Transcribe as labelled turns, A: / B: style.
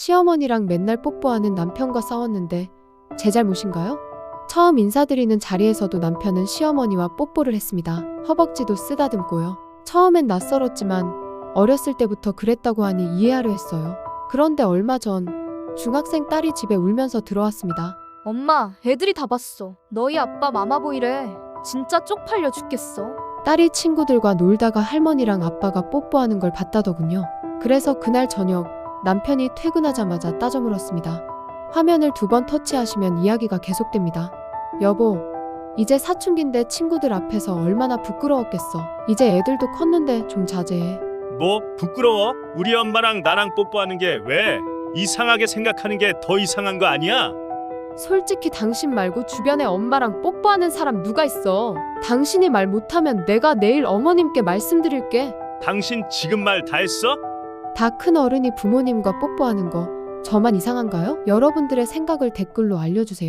A: 시어머니랑 맨날 뽀뽀하는 남편과 싸웠는데 제 잘못인가요? 처음 인사드리는 자리에서도 남편은 시어머니와 뽀뽀를 했습니다. 허벅지도 쓰다듬고요. 처음엔 낯설었지만 어렸을 때부터 그랬다고 하니 이해하려 했어요. 그런데 얼마 전 중학생 딸이 집에 울면서 들어왔습니다.
B: 엄마, 애들이 다 봤어. 너희 아빠 마마보이래. 진짜 쪽팔려 죽겠어.
A: 딸이 친구들과 놀다가 할머니랑 아빠가 뽀뽀하는 걸 봤다더군요. 그래서 그날 저녁 남편이 퇴근하자마자 따져 물었습니다. 화면을 2번 터치하시면 이야기가 계속됩니다. 여보, 이제 사춘기인데 친구들 앞에서 얼마나 부끄러웠겠어. 이제 애들도 컸는데 좀 자제해.
C: 뭐 부끄러워? 우리 엄마랑 나랑 뽀뽀하는 게 왜? 이상하게 생각하는 게 더 이상한 거 아니야?
A: 솔직히 당신 말고 주변에 엄마랑 뽀뽀하는 사람 누가 있어? 당신이 말 못하면 내가 내일 어머님께 말씀드릴게.
C: 당신 지금 말 다 했어?
A: 다 큰 어른이 부모님과 뽀뽀하는 거 저만 이상한가요? 여러분들의 생각을 댓글로 알려주세요.